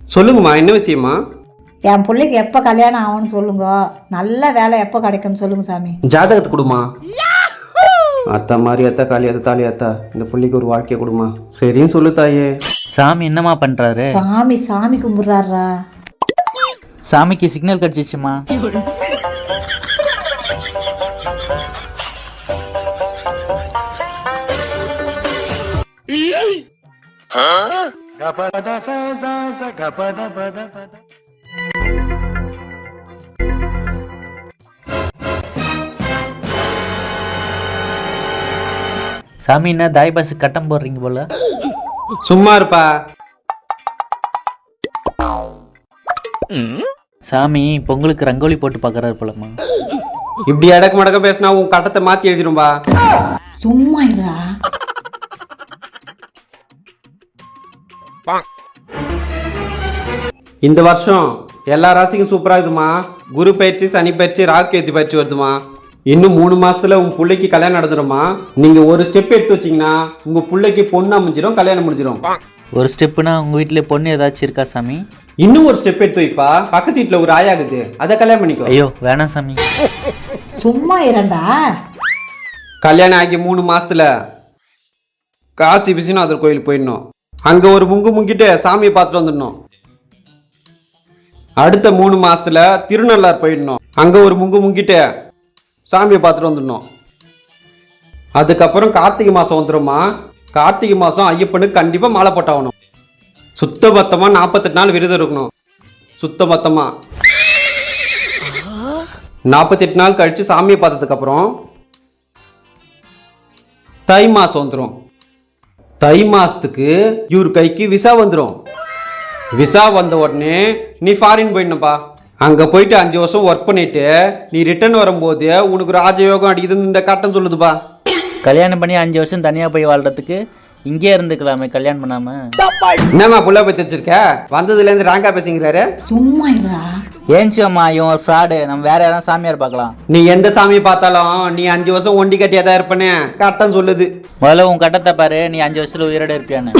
சொல்லுங்கம்மா, என்ன விஷயமா? என் பிள்ளைக்கு எப்போ கல்யாணம் ஆகும்னு சொல்லுங்க, நல்ல வேலை எப்போ கிடைக்கும்னு சொல்லுங்க சாமி. ஜாதகத்தை கொடுமா. அத்தா மாதிரி அத்தா காளி அத்தா தாலி அத்தா, இந்த பிள்ளைக்கு ஒரு வாழ்க்கையை கொடுமா. சரின்னு சொல்லு தாயே. சாமி என்னம்மா பண்றாரு? சாமி கும்பிட்றாரா? சாமிக்கு சிக்னல் கிடைச்சிச்சுமா. சாமி என்ன தாய் பாசு கட்டம் போடுறீங்க போல. சும்மா இருப்பா. சாமி பொங்கலுக்கு ரங்கோலி போட்டு பார்க்கறாரு போலம்மா. இப்படி அடக்கு மடக்க பேசினா உன் கட்டத்தை மாத்தி எழுதிடும்பா. சும்மா இருடா. இந்த வருஷம் எல்லா ராசிக்கும் சூப்பரா இருக்குமா. குரு பயிற்சி, சனி பயிற்சி, ராகு கேத்து பயிற்சி வருதுமா. இன்னும் 3 மாசத்துல உங்க பிள்ளைக்கு கல்யாணம் நடந்துருமா. நீங்க ஒரு ஸ்டெப் எடுத்து வச்சீங்கன்னா உங்க பிள்ளைக்கு பொண்ணு அமைஞ்சிடும், கல்யாணம் முடிஞ்சிடும். ஒரு ஸ்டெப்புனா உங்க வீட்டுல பொண்ணு ஏதாச்சும் இருக்கா சாமி? இன்னும் ஒரு ஸ்டெப் எடுத்து வைப்பா. பக்கத்து வீட்டுல ஒரு ஆயாகுது, அதை கல்யாணம் பண்ணிக்கோ. ஐயோ வேணாம் சாமி. சும்மா இரண்டா. கல்யாணம் ஆகி 3 மாசத்துல காசி விஸ்வநாதர் கோயில் போயிடணும். அங்க ஒரு முங்கிட்டு சாமியை பார்த்துட்டு வந்துடணும். அடுத்த 3 மாசத்துல திருநள்ளார் போயிடணும். அங்க ஒரு முங்கிட்டு சாமியை பார்த்துட்டு வந்துடணும். அதுக்கப்புறம் கார்த்திகை மாசம் வந்துடும்மா. கார்த்திகை மாசம் ஐயப்பனுக்கு கண்டிப்பா மாலை போட்டாகணும். சுத்த பத்தமா 48 நாள் விரதம் இருக்கணும். சுத்த பத்தமா 48 நாள் கழிச்சு சாமியை பார்த்ததுக்கு அப்புறம் தை மாசம் வந்துடும். தை மாசத்துக்கு இவர் கைக்கு விசா வந்துடும். விசா வந்த உடனே நீ ஃபாரின் போயிடணும்ப்பா. அங்க போயிட்டு 5 வருஷம் ஒர்க் பண்ணிட்டு நீ ரிட்டர்ன் வரும்போது உனக்கு ராஜயோகம் அடிக்குதுன்னு இந்த கட்டம் சொல்லுதுப்பா. கல்யாணம் பண்ணி 5 வருஷம் தனியா போய் வாழ்றதுக்கு இங்கே இருந்துக்கலாமே, கல்யாணம் பண்ணாம. என்னம்மா புள்ள பத்தி வச்சிருக்க? வந்ததுல இருந்து ராங்கா பேசுங்கிறாரு. சும்மா இருடா. ஏன்ச்சு அம்மா, இவன் ஒரு ஃப்ராடு. நம்ம வேற யாராவது சாமியார் பார்க்கலாம். நீ எந்த சாமியை பார்த்தாலும் நீ 5 வருஷம் ஒண்டி கட்டியா தான் இருப்பனே கட்டம் சொல்லுது. முதல்ல உன் கட்டத்தை பாரு, நீ 5 வருஷத்துல உயிரோட இருப்பியான்னு.